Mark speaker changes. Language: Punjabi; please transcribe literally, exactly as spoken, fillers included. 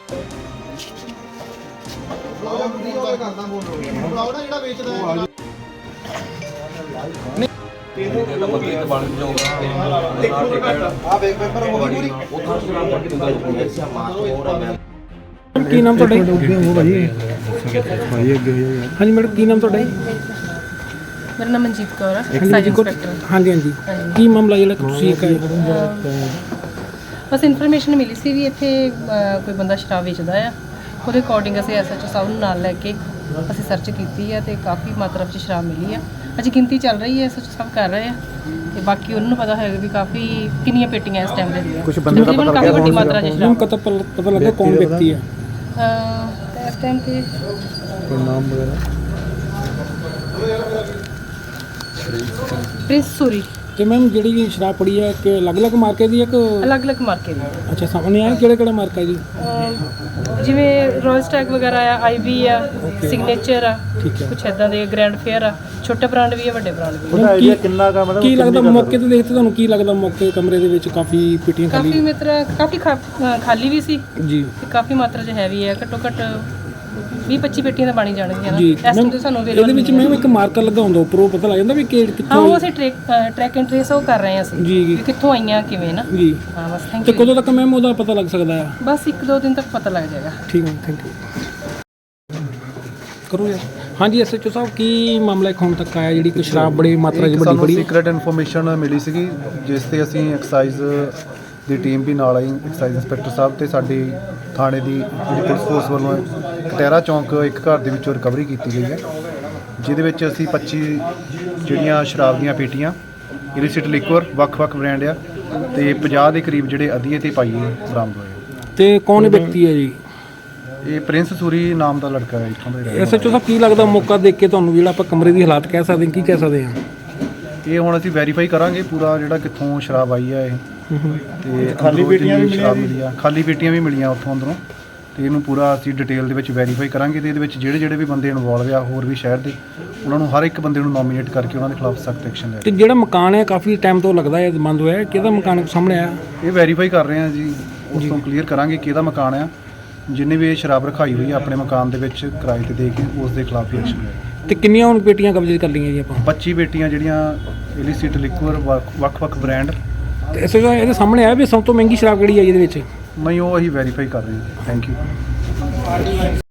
Speaker 1: ਕੀ ਨਾਮ ਤੁਹਾਡਾ? ਹਾਂਜੀ ਮੈਡਮ, ਕੀ ਨਾਮ ਤੁਹਾਡਾ?
Speaker 2: ਮੇਰਾ ਨਾਮ ਮਨਜੀਤ ਕੌਰ ਹੈ, ਐਕਸਾਈਜ਼ ਇੰਸਪੈਕਟਰ।
Speaker 1: ਹਾਂਜੀ ਹਾਂਜੀ, ਕੀ ਮਾਮਲਾ ਜਿਹੜਾ ਤੁਸੀਂ ਇੱਕ
Speaker 2: ਬਸ ਇਨਫੋਰਮੇਸ਼ਨ ਮਿਲੀ ਸੀ ਵੀ ਇੱਥੇ ਕੋਈ ਬੰਦਾ ਸ਼ਰਾਬ ਵੇਚਦਾ ਆ। ਉਹਦੇ ਅਕੋਰਡਿੰਗ ਅਸੀਂ ਐਸ ਐਚ ਓ ਸਾਹਿਬ ਨੂੰ ਨਾਲ ਲੈ ਕੇ ਅਸੀਂ ਸਰਚ ਕੀਤੀ ਹੈ ਤੇ ਕਾਫੀ ਮਾਤਰਾ ਵਿੱਚ ਸ਼ਰਾਬ ਮਿਲੀ ਆ। ਅਜੇ ਗਿਣਤੀ ਚੱਲ ਰਹੀ ਹੈ, ਐਸ ਐਚ ਓ ਸਾਹਿਬ ਕਰ ਰਹੇ ਆ ਤੇ ਬਾਕੀ ਉਹਨਾਂ ਨੂੰ ਪਤਾ ਹੋਏਗਾ ਵੀ ਕਾਫੀ ਕਿੰਨੀਆਂ ਪੇਟੀਆਂ ਇਸ ਟਾਈਮ ਦੇ
Speaker 1: ਕੁਝ ਬੰਦੇ ਦਾ ਪਤਾ
Speaker 2: ਕਾਫੀ ਵੱਡੀ ਮਾਤਰਾ ਵਿੱਚ ਸ਼ਰਾਬ
Speaker 1: ਪਤਾ ਪਤਾ ਲੱਗਾ ਕੌਣ ਵਿਅਕਤੀ ਹੈ
Speaker 2: ਅਹ ਇਸ ਟਾਈਮ ਤੇ
Speaker 1: ਕੋਈ ਨਾਮ ਵਗੈਰਾ?
Speaker 2: ਪ੍ਰਿੰਸ ਸੂਰੀ।
Speaker 1: ਤੇ ਮੈਮ ਜਿਹੜੀ ਸ਼ਰਾਬ ਪੜੀ ਹੈ ਕਿ ਅਲੱਗ-ਅਲੱਗ ਮਾਰਕੇ ਦੀ ਹੈ ਕਿ
Speaker 2: ਅਲੱਗ-ਅਲੱਗ ਮਾਰਕੇ ਦੀ?
Speaker 1: ਅੱਛਾ, ਸਾਹਮਣੇ ਆਇਆ ਕਿਹੜਾ ਕਿਹੜਾ ਮਾਰਕਾ ਜੀ?
Speaker 2: ਜਿਵੇਂ ਰੋਇਲ ਸਟੈਗ ਵਗੈਰਾ ਆ, ਆਈ ਬੀ ਆ, ਸਿਗਨੇਚਰ ਆ, ਕੁਛ ਇਦਾਂ ਦੇ ਗ੍ਰੈਂਡ ਫੇਅਰ ਆ। ਛੋਟੇ ਬ੍ਰਾਂਡ ਵੀ ਆ, ਵੱਡੇ ਬ੍ਰਾਂਡ ਵੀ।
Speaker 1: ਉਹਦਾ ਆਈਡੀਆ ਕਿੰਨਾ ਕਾ ਮਤਲਬ ਕੀ ਲੱਗਦਾ ਮੌਕੇ ਤੇ ਦੇਖਦੇ ਤੁਹਾਨੂੰ ਕੀ ਲੱਗਦਾ? ਮੌਕੇ ਕਮਰੇ ਦੇ ਵਿੱਚ ਕਾਫੀ ਪੇਟੀਆਂ ਖਾਲੀ,
Speaker 2: ਕਾਫੀ ਮਾਤਰਾ ਕਾਫੀ ਖਾਲੀ ਵੀ ਸੀ
Speaker 1: ਜੀ
Speaker 2: ਤੇ ਕਾਫੀ ਮਾਤਰਾ 'ਚ ਹੈਵੀ ਹੈ। ਘੱਟੋ ਘੱਟ ਵੀਹ ਪੱਚੀ ਪੇਟੀਆਂ ਤਾਂ ਬਣੀ ਜਾਣਗੀਆਂ ਨਾ
Speaker 1: ਜੀ।
Speaker 2: ਇਸ ਟਾਈਮ ਤੇ ਸਾਨੂੰ
Speaker 1: ਇਹਦੇ ਵਿੱਚ ਮੈਮ ਇੱਕ ਮਾਰਕਰ ਲੱਗਾ ਹੁੰਦਾ ਉੱਪਰੋਂ, ਪਤਾ ਲੱਗ ਜਾਂਦਾ ਵੀ ਕਿ
Speaker 2: ਹਾਂ,
Speaker 1: ਕਿੱਥੋਂ?
Speaker 2: ਉਹ ਅਸੀਂ ਟ੍ਰੈਕ ਟਰੈਕ ਐਂਡ ਟ੍ਰੇਸ ਉਹ ਕਰ ਰਹੇ ਹਾਂ ਅਸੀਂ
Speaker 1: ਜੀ ਜੀ,
Speaker 2: ਕਿ ਕਿੱਥੋਂ ਆਈਆਂ ਕਿਵੇਂ ਨਾ।
Speaker 1: ਜੀ
Speaker 2: ਹਾਂ ਬਸ, ਥੈਂਕ
Speaker 1: ਤੇ
Speaker 2: ਯੂ।
Speaker 1: ਕਦੋਂ ਤੱਕ ਮੈਮ ਉਹਦਾ ਪਤਾ ਲੱਗ ਸਕਦਾ ਹੈ?
Speaker 2: ਬਸ ਇੱਕ ਦੋ ਦਿਨ ਤੱਕ ਪਤਾ ਲੱਗ ਜਾਏਗਾ।
Speaker 1: ਠੀਕ ਹੈ, ਥੈਂਕ ਯੂ। ਕਰੋ ਯਾਰ। ਹਾਂਜੀ ਐਸ ਐਚ ਓ ਸਾਹਿਬ, ਕੀ ਮਾਮਲਾ ਇੱਕ ਹੁਣ ਤੱਕ ਆਇਆ ਜਿਹੜੀ ਕਿ ਸ਼ਰਾਬ ਬੜੀ ਮਾਤਰਾ 'ਚ ਵੱਡੀ ਬੜੀ?
Speaker 3: ਸੀਕ੍ਰੇਟ ਇਨਫੋਰਮੇਸ਼ਨ ਮਿਲੀ ਸੀਗੀ ਜਿਸ ਤੇ ਅਸੀਂ ਐਕਸਾਈਜ਼ ਦੀ ਟੀਮ ਵੀ ਨਾਲ ਆਈ, ਐਕਸਾਈਜ਼ ਇੰਸਪੈਕਟਰ ਸਾਹਿਬ ਤੇ ਸਾਡੀ ਥਾਣੇ ਦੀ ਜਿਹੜੀ ਪੁਲਿਸ ਫੋਰਸ ਵੱਲੋਂ ਕਟਹਿਰਾ ਚੌਂਕ ਇੱਕ ਘਰ ਦੇ ਵਿੱਚੋਂ ਰਿਕਵਰੀ ਕੀਤੀ ਗਈ ਹੈ, ਜਿਹਦੇ ਵਿੱਚ ਅਸੀਂ ਪੱਚੀ ਜਿਹੜੀਆਂ ਸ਼ਰਾਬ ਦੀਆਂ ਪੇਟੀਆਂ ਇਲਿਸਿਟ ਲਿਕਵਰ ਵੱਖ-ਵੱਖ ਬ੍ਰਾਂਡ ਆ ਤੇ ਪੰਜਾਹ ਦੇ ਕਰੀਬ ਜਿਹੜੇ ਅਧੀਏ ਤੇ ਪਾਈਏ ਬਰਾਮਦ ਹੋਏ।
Speaker 1: ਤੇ ਕੌਣ ਵਿਅਕਤੀ ਹੈ ਜੀ?
Speaker 3: ਇਹ ਪ੍ਰਿੰਸ ਸੂਰੀ ਨਾਮ ਦਾ ਲੜਕਾ ਹੈ ਇੱਥੋਂ ਦਾ।
Speaker 1: ਐਸ ਐਚ ਓ ਸਾਹਿਬ, ਕੀ ਲੱਗਦਾ ਮੌਕਾ ਦੇਖ ਕੇ ਤੁਹਾਨੂੰ ਜਿਹੜਾ ਆਪਾਂ ਕਮਰੇ ਦੀ ਹਾਲਾਤ ਕਹਿ ਸਕਦੇ ਹਾਂ, ਕੀ ਕਹਿ ਸਕਦੇ ਹਾਂ?
Speaker 3: ਇਹ ਹੁਣ ਅਸੀਂ ਵੈਰੀਫਾਈ ਕਰਾਂਗੇ ਪੂਰਾ ਜਿਹੜਾ ਕਿੱਥੋਂ ਸ਼ਰਾਬ ਆਈ ਹੈ ਇਹ, ਤੇ
Speaker 1: ਖਾਲੀ ਪੇਟੀਆਂ ਵੀ
Speaker 3: ਸ਼ਰਾਬ ਮਿਲੀ ਆ, ਖਾਲੀ ਪੇਟੀਆਂ ਵੀ ਮਿਲੀਆਂ ਉੱਥੋਂ ਅੰਦਰੋਂ, ਤੇ ਇਹਨੂੰ ਪੂਰਾ ਅਸੀਂ ਡਿਟੇਲ ਦੇ ਵਿੱਚ ਵੈਰੀਫਾਈ ਕਰਾਂਗੇ ਤੇ ਇਹਦੇ ਵਿੱਚ ਜਿਹੜੇ ਜਿਹੜੇ ਵੀ ਬੰਦੇ ਇਨਵੋਲਵ ਆ ਹੋਰ ਵੀ ਸ਼ਹਿਰ ਦੇ, ਉਹਨਾਂ ਨੂੰ ਹਰ ਇੱਕ ਬੰਦੇ ਨੂੰ ਨੋਮੀਨੇਟ ਕਰਕੇ ਉਹਨਾਂ ਦੇ ਖਿਲਾਫ ਸਖਤ ਐਕਸ਼ਨ ਲੈ।
Speaker 1: ਤੇ ਜਿਹੜਾ ਮਕਾਨ ਹੈ ਕਾਫੀ ਟਾਈਮ ਤੋਂ ਲੱਗਦਾ ਹੈ ਬੰਦ ਹੋਇਆ, ਕਿਹਦਾ ਮਕਾਨ ਸਾਹਮਣੇ ਆਇਆ?
Speaker 3: ਇਹ ਵੈਰੀਫਾਈ ਕਰ ਰਹੇ ਹਾਂ ਜੀ, ਉਸ ਤੋਂ ਕਲੀਅਰ ਕਰਾਂਗੇ ਕਿਹਦਾ ਮਕਾਨ ਆ। ਜਿੰਨੇ ਵੀ ਇਹ ਸ਼ਰਾਬ ਰਖਾਈ ਹੋਈ ਆ ਆਪਣੇ ਮਕਾਨ ਦੇ ਵਿੱਚ ਕਿਰਾਏ ਤੇ ਦੇ ਕੇ ਉਸ ਦੇ ਖਿਲਾਫ ਹੀ ਐਕਸ਼ਨ ਲੈ।
Speaker 1: ਤੇ ਕਿੰਨੀਆਂ ਹੁਣ ਪੇਟੀਆਂ ਕਬਜ਼ੇ ਕਰ ਲਈਆਂ ਜੀ ਆਪਾਂ?
Speaker 3: ਪੱਚੀ ਪੇਟੀਆਂ ਜਿਹੜੀਆਂ ਇਲਿਸਿਟ ਲਿਕਵਰ ਵੱਖ-ਵੱਖ ਬ੍ਰਾਂਡ।
Speaker 1: ਤੇ ਇਸ ਇਹਦੇ ਸਾਹਮਣੇ ਆਇਆ ਵੀ ਸਭ ਤੋਂ ਮਹਿੰਗੀ ਸ਼ਰਾਬ ਕਿਹੜੀ ਹੈ ਇਹਦੇ ਵਿੱਚ?
Speaker 3: ਨਹੀਂ, ਉਹ ਅਸੀਂ ਵੈਰੀਫਾਈ ਕਰ ਰਹੇ ਹਾਂ। Thank you.